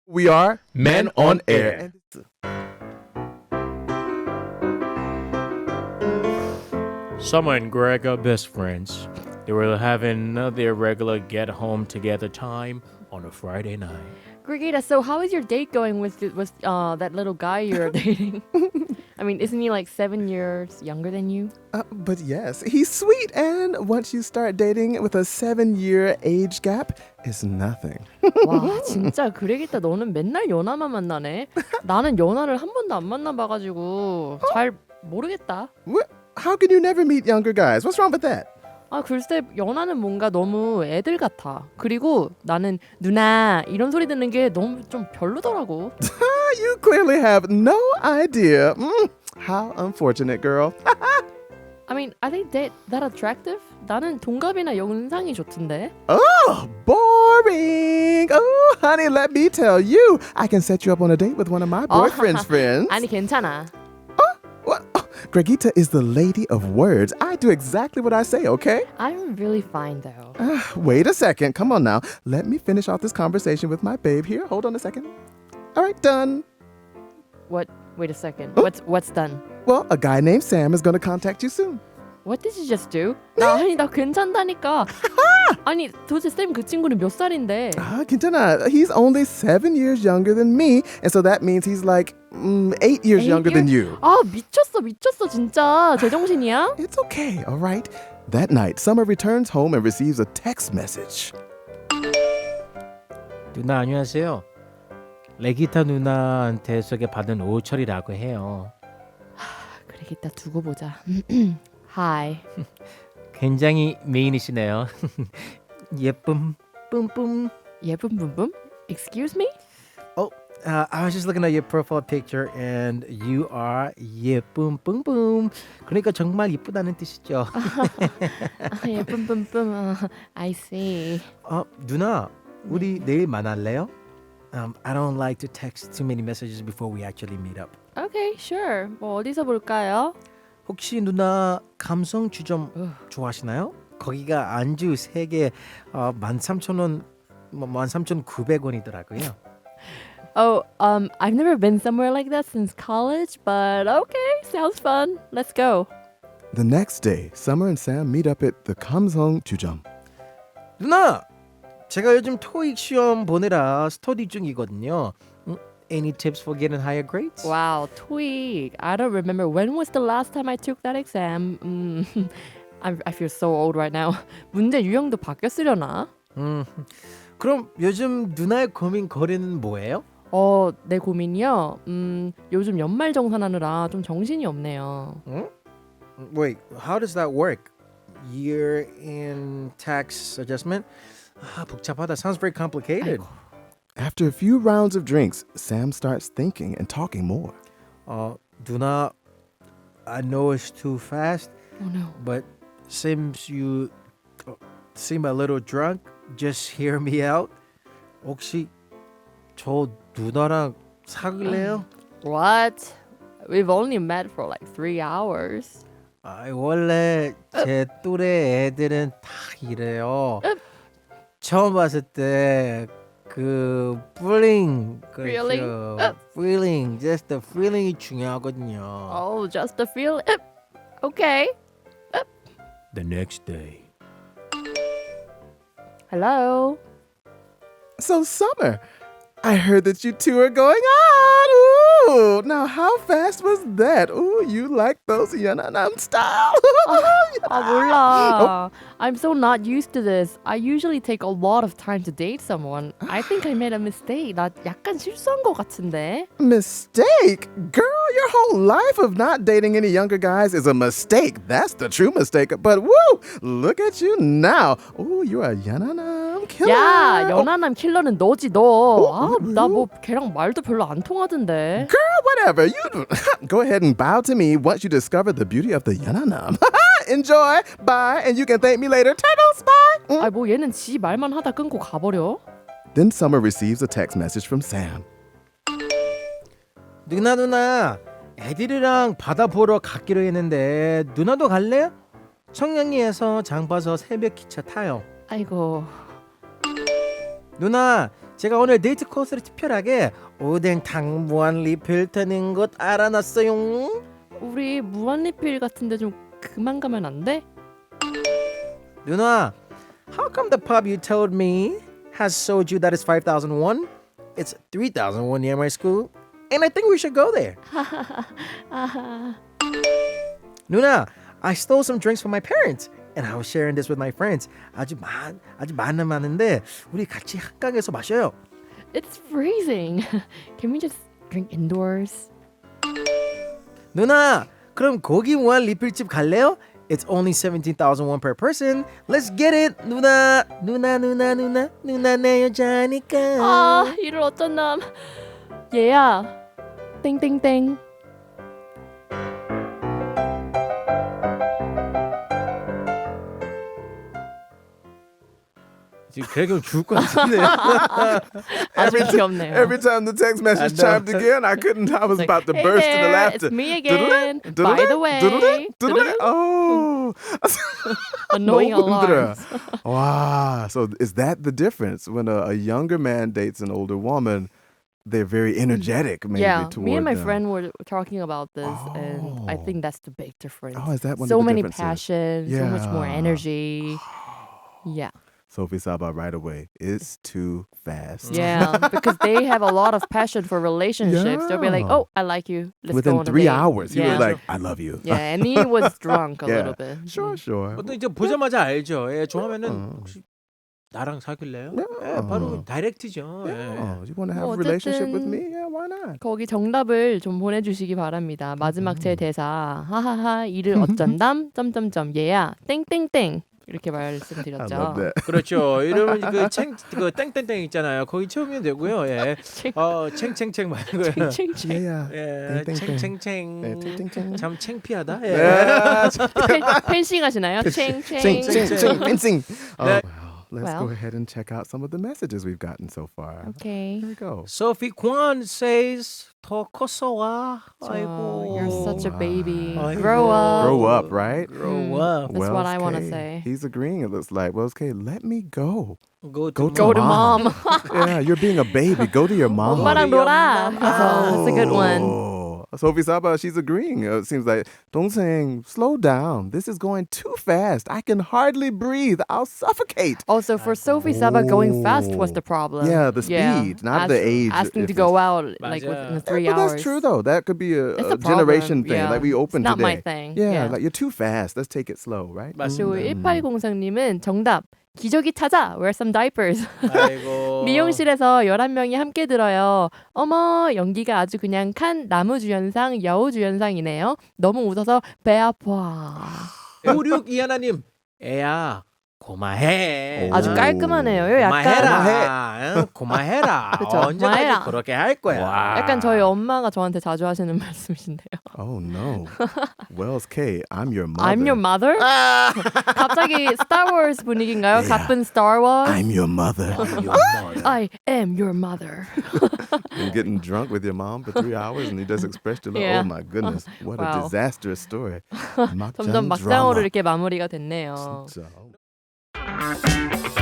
We are Men on Air. Summer and Greg are best friends. They were having their regular get home together time on a Friday night. Grigita, so how is your date going with that little guy you're dating? I mean, isn't he like 7 years younger than you? But yes, he's sweet, and once you start dating with a 7-year age gap, it's nothing. 와, 진짜 그레기타 너는 맨날 연하만 만나네. 나는 연하를 한 번도 안 만나봐가지고 잘 모르겠다. What? How can you never meet younger guys? What's wrong with that? 아, 글쎄 연하는 뭔가 너무 애들 같아. 그리고 나는 누나 이런 소리 듣는 게 너무 좀 별로더라고. You clearly have no idea. How unfortunate, girl. I mean, are they that attractive? 나는 동갑이나 연상이 좋던데. Oh, boring. Oh, honey, let me tell you. I can set you up on a date with one of my boyfriend's friends. 아니 괜찮아. What? Oh, Gregita is the lady of words. I do exactly what I say, okay? I'm really fine though. Wait a second. Come on now. Let me finish off this conversation with my babe here. Hold on a second. All right, done. What? Wait a second. Oh. What's done? Well, a guy named Sam is going to contact you soon. What did you just do? 나 괜찮다니까. 아니 도대체 쌤 그 친구는 몇 살인데? 괜찮아. He's only 7 years younger than me, and so that means he's like 8 years 8 younger than you. 아 미쳤어 진짜 제정신이야? It's okay, all right? That night, Summer returns home and receives a text message. 누나 안녕하세요. 레기타 누나한테 소개받은 오철이라고 해요. 그래 이따 두고 보자. Hi. 굉장히 미인이시네요. 예쁨 뿜뿜. 예쁜 뿜뿜? Excuse me? I was just looking at your profile picture and you are 예쁨 뿜뿜. 그러니까 정말 이쁘다는 뜻이죠. 예쁜 뿜뿜. I see. 누나, 우리 내일 만날래요? I don't like to text too many messages before we actually meet up. Okay, sure. 뭐 어디서 볼까요? 혹시 누나 감성 주점 좋아하시나요? 거기가 안주 3개 13,000원 13,900원이더라고요. Oh, I've never been somewhere like that since college, but okay, sounds fun. Let's go. The next day, Summer and Sam meet up at the Kamsong Chujam. 누나, 제가 요즘 토익 시험 보느라 스터디 중이거든요. Any tips for getting higher grades? Wow, TOEIC. I don't remember when was the last time I took that exam. I feel so old right now. 문제 유형도 바뀌었으려나? 그럼 요즘 누나의 고민 거리는 뭐예요? 내 고민이요. 요즘 연말 정산하느라 좀 정신이 없네요. Wait, how does that work? Year in tax adjustment? 복잡하다. Sounds very complicated. After a few rounds of drinks, Sam starts thinking and talking more. 누나, I know it's too fast, Oh no. but since you seem a little drunk, just hear me out. 혹시 저 누나랑 사귈래요? What? We've only met for like 3 hours. 원래 제 또래 애들은 다 이래요. 처음 봤을 때 그 feeling, Feeling? feeling, just the feeling이 중요하거든요. Oh, just a feel. Okay. The next day. Hello. So, Summer, I heard that you two are going out. Ooh, now how fast was that? Ooh, you like those Yananam style? 몰라. I'm so not used to this. I usually take a lot of time to date someone. I think I made a mistake. 나 약간 실수한 것 같은데. Mistake? Girl, your whole life of not dating any younger guys is a mistake. That's the true mistake. But woo, look at you now. Ooh, you're a Yananam killer. 야, 연하남 킬러는 너지 너. 나 뭐 걔랑 말도 별로 안 통하던데. Girl, whatever. You go ahead and bow to me once you discover the beauty of the Yananam. Enjoy. Bye. And you can thank me later. Turtles, bye. 아, 뭐 얘는 지 말만 하다 끊고 가버려. Then Summer receives a text message from Sam. 누나 애들이랑 바다 보러 가기로 했는데 누나도 갈래요? 청량리에서 장 봐서 새벽 기차 타요. 아이고. 누나 제가 오늘 데이트 코스를 특별하게 오뎅탕 무한 리필 되는 것 알아놨어요. 우리 무한리필 같은데 좀 그만 가면 안 돼? 누나, how come the pub you told me has soju that is 5,001? It's 3,001 near my school, and I think we should go there. 누나, I stole some drinks from my parents, and I was sharing this with my friends. 아주 많은데 우리 같이 한강에서 마셔요. It's freezing. Can we just drink indoors? 누나, 그럼 고기 무한 리필집 갈래요? It's only 17,001 per person. Let's get it, 누나 내 여자니까. 아, 이를 어쩐담. 얘야. 땡땡땡. 지금 그래도 죽을 것 같은데. 아주 귀엽네요. Every time the text message I know. chimed again, I was Like, about to hey burst there, into laughter. It's me again. By the way. Oh. Annoying No wonder. alarms. Wow. So is that the difference? When a younger man dates an older woman, they're very energetic maybe Yeah, toward me and my them. friend were talking about this, and I Oh. think that's the big difference. Oh, is that one so of the many differences? passion, so much more Yeah. energy. Yeah, Sophie Saba right away. It's too fast. yeah, because they have a lot of passion for relationships. They'll be like, Yeah. "Oh, I like you. Let's go Within on a 3 date." hours, he was Yeah. like, I love you. Yeah, and he was drunk a Yeah. little bit. Sure, sure. 보통 이제 보자마자 알죠. 예, 좋아하면은 어. 혹시 나랑 사귈래요? 네. 예, 바로 다이렉트죠. 예. Oh, you want to have 뭐 a relationship with 어쨌든 me? Yeah, why not? 거기 정답을 좀 보내주시기 바랍니다. 마지막 제 대사 하하하 이를 어쩐담 점점점 얘야 땡땡땡 이렇게 I 말씀드렸죠. love that. 그렇죠. 이러면 그 땡땡땡 있잖아요. 거기 채우면 되고요. 예. 챙챙챙 말고요. 챙챙. Yeah. 예, 땡땡땡. 챙챙챙. 네, 땡땡땡. 참 창피하다. 예. Yeah. 펜싱 하시나요? 챙챙. Fencing. Oh, 네. well, let's Well. go ahead and check out some of the messages we've gotten so far. Okay. Here we go. Sophie Kwan says 더 컸어 와. 아이고. Oh, you're such a baby. 아이고. Grow up. Grow up, right? Grow up. That's what I wanna K, say. He's agreeing, it looks like. Wells K, let me go. Go Go Go to mom. Yeah, you're being a baby. Go to your mom. 엄마랑 놀아. That's a good one. Oh. Sophie Saba, she's agreeing. It seems like, Dongseong, slow down. This is going too fast. I can hardly breathe. I'll suffocate. Also, for Sophie Saba, going fast was the problem. Yeah, the speed, not the age Asking to difference. go out like 맞아. within the Yeah, 3 but hours. that's true, though. That could be It's a a problem, generation thing. yeah. Like we opened It's not today. my thing. Yeah, Yeah. like you're too fast. Let's take it slow, right? 그리고 맞습니다. 1803님은 정답. 기저귀 찾아. Wear some diapers. 아이고. 미용실에서 11명이 함께 들어요. 어머, 연기가 아주 그냥 칸 나무주연상, 여우주연상이네요. 너무 웃어서 배 아파. 5621님. 애야. 고마해. 아주 깔끔하네요. 약간 고마해라. 응? 고마해라. 그쵸, 언제까지 고마해라. 그렇게 할 거야. 약간 저희 엄마가 저한테 자주 하시는 말씀이신데요. Oh, no. Wells K, I'm your mother. I'm your mother? 갑자기 Star Wars 분위기인가요? Yeah. 가쁜 Star Wars? I'm your mother. I am your mother. You're getting drunk with your mom for 3 hours and you just expressed your love. Yeah. Oh, my goodness. What a Wow. disastrous story. 점점 막장으로 이렇게 마무리가 됐네요. 진짜.